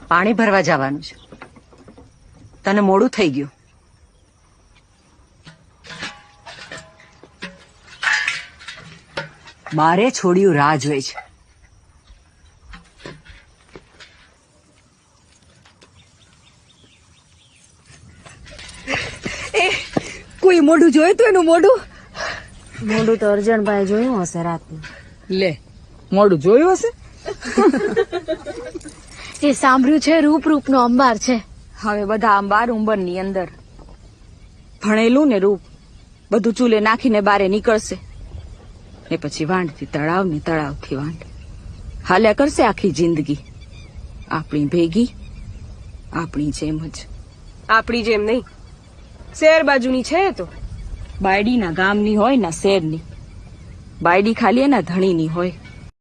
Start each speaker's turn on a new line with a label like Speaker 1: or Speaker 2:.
Speaker 1: પાણી ભરવા જવાનું છે. તને મોડું થઈ ગયું. બારે છોડ્યું રાહ જોઈ છે. કોઈ મોઢું જોયું તું એનું મોઢું
Speaker 2: તો અર્જણભાઈ જોયું હશે રાતનું.
Speaker 1: લે મોઢું જોયું હશે.
Speaker 2: એ સાંભળ્યું છે રૂપ રૂપનો અંબાર છે.
Speaker 3: હવે બધા અંબાર ઉંબરની અંદર ભણેલું ને રૂપ બધું ચૂલે નાખીને બારે નીકળશે ને પછી વાંઢથી તળાવ ને તળાવથી વાંઢ હાલ્યા કરશે આખી જિંદગી આપણી ભેગી આપણી જેમ જ.
Speaker 4: આપણી જેમ નહીં, શહેર બાજુની છે એ તો.
Speaker 3: બાયડીના ગામની હોય ના શહેરની. બાયડી ખાલી એના ધણીની હોય.